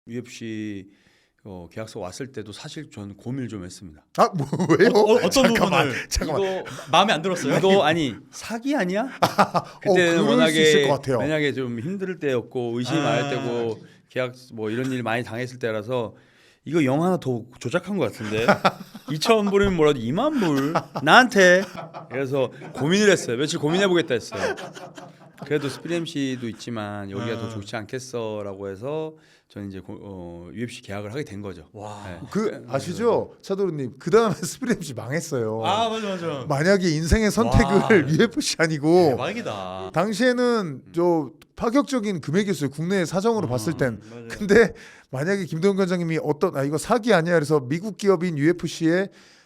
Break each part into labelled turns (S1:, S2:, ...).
S1: UFC 계약서 왔을 때도 사실 저는 고민을 좀 했습니다.
S2: 아, 왜요?
S3: 어떤 부분을
S2: 잠깐만.
S1: 이거
S3: 마음에 안 들었어요?
S1: 이거 아니 사기 아니야? 그때는
S2: 그럴 수 있을 것
S1: 워낙에
S2: 같아요.
S1: 만약에 좀 힘들 때였고 의심이 많을 때고 계약 뭐 이런 일 많이 당했을 때라서 이거 영 하나 더 조작한 것 같은데 2천 불이면 뭐라도 2만 불 나한테 그래서 고민을 했어요. 며칠 고민해 보겠다 했어요. 그래도 스프리 MC도 있지만 여기가 더 좋지 않겠어라고 해서 저는 이제 UFC 계약을 하게 된 거죠.
S3: 와.
S1: 네.
S2: 그 아시죠, 차도르님? 그 다음에 스프리 MC 망했어요.
S3: 아 맞아.
S2: 만약에 인생의 선택을
S3: 와.
S2: UFC 아니고
S3: 대박이다.
S2: 당시에는 저 파격적인 금액이었어요. 국내 사정으로 봤을 땐.
S3: 맞아요.
S2: 근데 만약에 김동현 관장님이 이거 사기 아니야? 그래서 미국 기업인 UFC에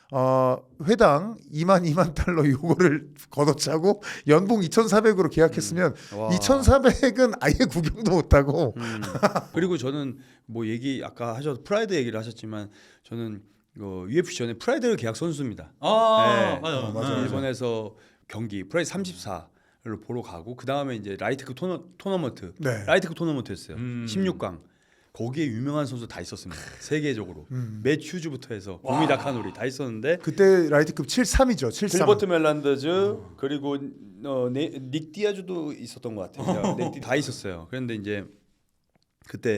S2: 회당 2만 달러 요거를 걷어차고 연봉 2,400으로 계약했으면
S1: 와.
S2: 2,400은 아예 구경도 못하고
S1: 그리고 저는 뭐 아까 프라이드 얘기를 하셨지만 저는 UFC 전에 프라이드 계약 선수입니다. 네.
S3: 맞아.
S2: 맞아.
S1: 일본에서 경기 프라이드 34를 보러 가고 그 다음에 이제 라이트급 토너먼트
S2: 네.
S1: 라이트급 토너먼트였어요.
S3: 16강.
S1: 16강 거기에 유명한 선수 다 있었습니다. 세계적으로 맷 휴즈부터 해서
S3: 와.
S1: 고미 다카노리 다 있었는데
S2: 그때 라이트급 73이죠. 73.
S1: 길버트 멜란더즈 그리고 닉 디아즈도 있었던 것 같아요. 다 있었어요. 그런데 이제 그때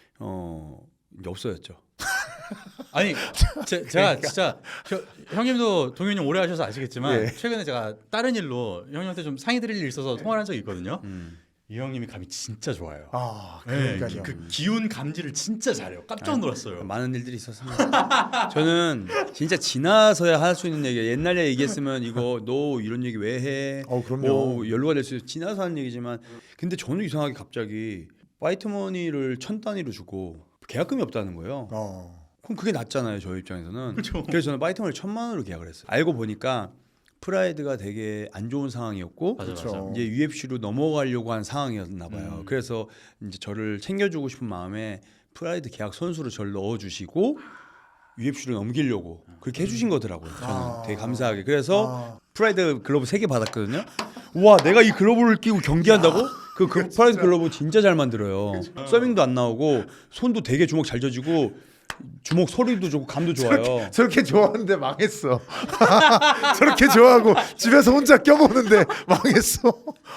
S1: 이제 없어졌죠.
S3: 아니 제가 진짜 형님도 동현이 형 오래 하셔서 아시겠지만
S2: 예.
S3: 최근에 제가 다른 일로 형님한테 좀 상의 드릴 일 있어서 통화를 한 적이 있거든요. 이 형님이 감이 진짜 좋아요.
S2: 아,
S3: 네,
S2: 그러니까요.
S3: 그 기운 감지를 진짜 잘해요. 깜짝 놀랐어요.
S1: 많은 일들이 있었습니다. 저는 진짜 지나서야 할 수 있는 얘기예요. 옛날에 얘기했으면 이거 너 이런 얘기 왜 해?
S2: 그럼요.
S1: 뭐 연루가 될 수 있어. 지나서 하는 얘기지만 근데 저는 이상하게 갑자기 파이트 머니를 1,000단위로 주고 계약금이 없다는 거예요. 그럼 그게 낫잖아요. 저희 입장에서는.
S3: 그렇죠.
S1: 그래서 저는 파이트 머니 1,000만 원으로 계약을 했어요. 알고 보니까 프라이드가 되게 안 좋은 상황이었고
S3: 맞아.
S1: 이제 UFC로 넘어가려고 한 상황이었나 봐요. 그래서 이제 저를 챙겨주고 싶은 마음에 프라이드 계약 선수로 저를 넣어주시고 UFC로 넘기려고 그렇게 해주신 거더라고요. 저는 되게 감사하게. 그래서 프라이드 글러브 3개 받았거든요. 와, 내가 이 글러브를 끼고 경기한다고? 그 프라이드 글러브 진짜 잘 만들어요. 서빙도 안 나오고 손도 되게 주먹 잘 져지고 주먹 소리도 좋고 감도 좋아요.
S2: 저렇게 좋아하는데 망했어. 저렇게 좋아하고 집에서 혼자 껴보는데 망했어.